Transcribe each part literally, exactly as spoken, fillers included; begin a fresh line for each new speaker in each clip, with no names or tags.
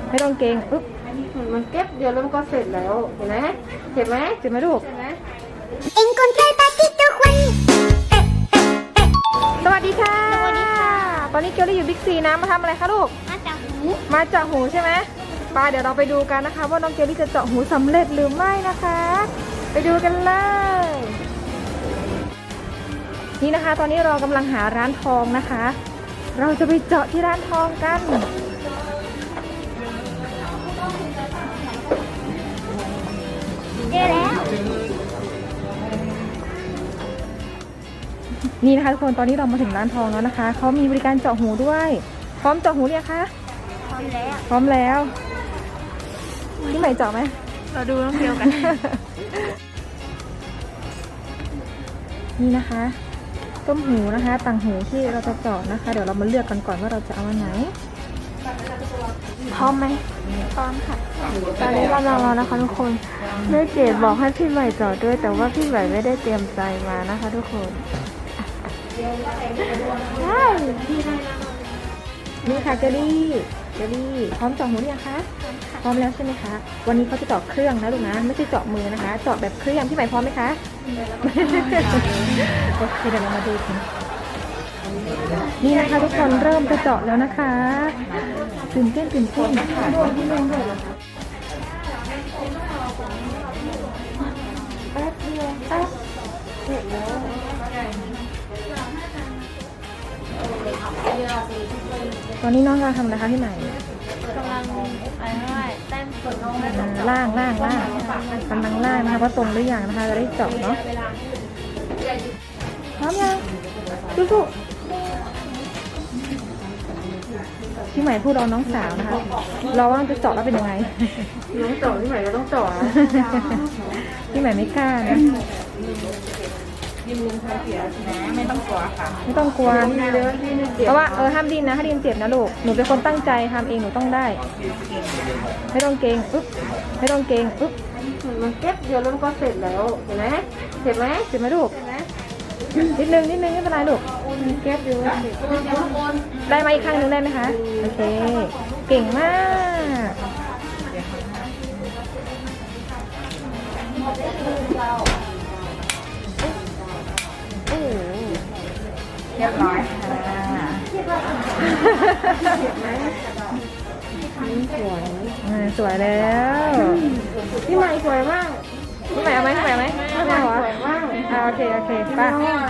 ไม่ต้องเกรงปึ๊บ
มันเก็บเดี๋ยวแล้วมันก็เสร็จแล้วเห็นไหมเจ็บไหม
เจ็บไหมลูกสวัสดีค่ะสวัสดีค่ะตอนนี้เกลลี่อยู่บิ๊กซีนะมาทำอะไรคะลูก
มาจากหู
มาเจาะหูใช่ไหมป้าเดี๋ยวเราไปดูกันนะคะว่าน้องเกลลี่จะเจาะหูสำเร็จหรือไม่นะคะไปดูกันเลยนี่นะคะตอนนี้เรากำลังหาร้านทองนะคะเราจะไปเจาะที่ร้านทองกัน
เจอแล้ว
นี่นะคะทุกคนตอนนี้เรามาถึงร้านทองแล้วนะคะเขามีบริการเจาะหูด้วยพร้อมเจาะหูหรือยังคะ
พร้อมแล้ว
พร้อมแล้วพี่ใหม่เจาะไหม
เราดูน้องเดียวกัน
นี่นะคะต้มหูนะคะต่างหูที่เราจะเจาะนะคะเดี๋ยวเรามาเลือกกันก่อนว่าเราจะเอาอันไหนพร้อมไหม
พร้อมค่ะ
ตอนนี้เรารอนะคะทุกคนแม่เกดบอกให้พี่ใหม่เจาะด้วยแต่ว่าพี่ใหม่ไม่ได้เตรียมใจมานะคะทุกคนใช่นี่ค่ะเจลลี่เจลลี่พร้อมเจาะหูหรือยังคะพร้อมแล้วใช่ไหมคะวันนี้เขาจะเจาะเครื่องนะลูกนะไม่ใช่เจาะมือนะคะเจาะแบบเครื่องพี่ใหม่พร้อมไหมคะโอเคเดี๋ยวเรามาดูกันนี่นะคะทุกคนเริ่มจะเจาะแล้วนะคะตื่นเต้นตื่นเต้นนะคะแป๊บเดียวแป๊บเสร็จแล้วตอนนี้น้องกำลังทำอะไรคะพี่ใหม่
กำลังอะไรไม่แต้มส่วนน้อง
ล่างล่างล่างกำลังล่างนะคะว่าตรงหรือยังนะคะจะได้เจาะเนาะพร้อมยังสู้ๆพี่ใหม่พูดรอน้องสาวนะคะเราว่าจะเจาะแล้วเป็นยังไง
น้องเจาะพี่ใหม่ก็ต้องเจาะ
พี่ใหม่ไม่กล้านะ
ไม่ต้องกลัวค่ะ
ไม่ต้องกลัวเพราะว่าเออห้ามดินนะถ้าดินเจ็บนะลูกหนูเป็นคนตั้งใจทำเองหนูต้องได้ไม่ต้องเกรงปึ๊บไม่ต้องเกรงปึ๊บ
มันเก็บเดี๋ยวแล้วมันก็เสร็จแล้วเห็นไหมเจ็บไหม
เจ็บไหมลูกนิดนึงนิดนึงไม่เป็นไรลูก
เก็บเดี๋ยว
ได้มาอีกครั้งนึงได้ไหมคะโอเคเก่งมาก
เรียบร้อย
ค่ะสวยแล้ว
พี่ใหม่สวยมาก
พี่ใหม่เอาไหมพี่ใหม่เอาไหม
พี่ใหม่สวยมาก
โอเคโอเคป้า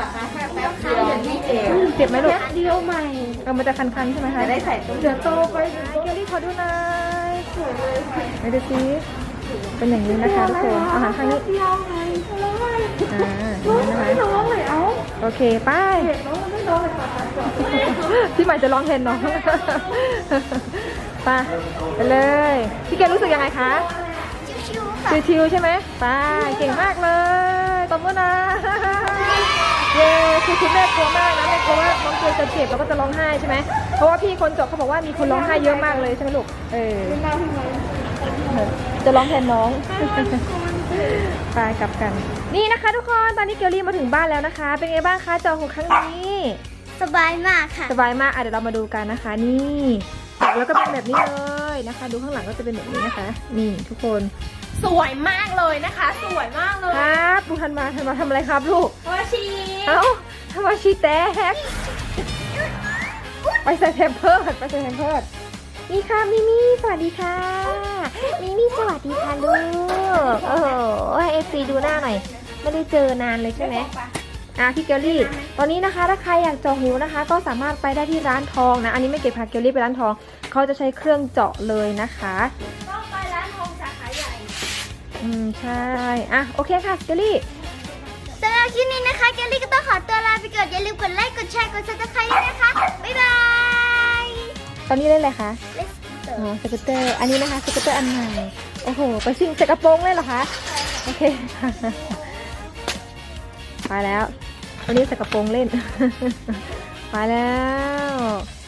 เจ็บไหมลูก
เดียวใหม่
เออมันจะคันๆใช่ไหมคะ
ได้ใส่ตุ้มเดี๋ยวโตไป
เกลลี่ขอดูหน่อยไม่ดูซิเป็นอย่างนี้นะคะทุกคนอาหารข้างนี้อ่า
ไม่ร้องเลยเอา
โอเคไปพี่ใหม่จะร้องเพลงน้องไปไปเลยพี่เกลรู้สึกยังไงคะชิวๆใช่ไหมไปเก่งมากเลยตบมือนะเย้คือคุณแม่กลัวมากนะแม่กลัวว่าน้องเกลจะเจ็บแล้วก็จะร้องไห้ใช่ไหมเพราะว่าพี่คนจบเขาบอกว่ามีคนร้องไห้เยอะมากเลยใช่ไหมลูกเออจะร้องแทนน้องไปกลับกันนี่นะคะทุกคนตอนนี้เกลลี่มาถึงบ้านแล้วนะคะเป็นไงบ้างคะเจาะหูครั้งนี้
สบายมากค่ะ
สบายมากอ่ะเดี๋ยวเรามาดูกันนะคะนี่แล้วก็เป็นแบบนี้เลยนะคะดูข้างหลังก็จะเป็นแบบนี้นะคะนี่ทุกคน
สวยมากเลยนะคะสวยมากเลย
ครับดูทันมาทันมาทำอะไรครับลูก
วาชี
เอ้าทำมาชีแตกไปใส่แพมเพิร์ดไปใส่แพมเพิร์ดนี่ค่ะมิมี่สวัสดีค่ะมิมี่สวัสดีค่ะลูกโอ้โหเอฟซีดูหน้าหน่อยไม่ได้เจอนานเลยใช่ไหมอ่ะพี่เกลลี่ตอนนี้นะคะถ้าใครอยากเจาะหูนะคะก็สามารถไปได้ที่ร้านทองนะอันนี้ไม่เก็บพาเกลลี่ไปร้านทองเขาจะใช้เครื่องเจาะเลยนะคะ
ต้องไปร้านทองสาขาใหญ่
อืมใช่อ่ะโอเคค่ะเกลลี่
สำหรับคลิปนี้นะคะเกลลี่ก็ต้องขอตัวลาไปก่อนอย่าลืมกดไลค์กดแชร์กดซับสไครต์ด้วยนะคะบ๊ายบาย
ตอนนี้เล่นอะไรคะอ๋อสกูตเตอร์อันนี้นะคะสกูตเตอร์อันใหม่โอ้โหไปซิ่งใส่กระโปรงเลยเหรอคะโอเคไปแล้ววันนี้ใส่กระโปรงเล่นไปแล้ว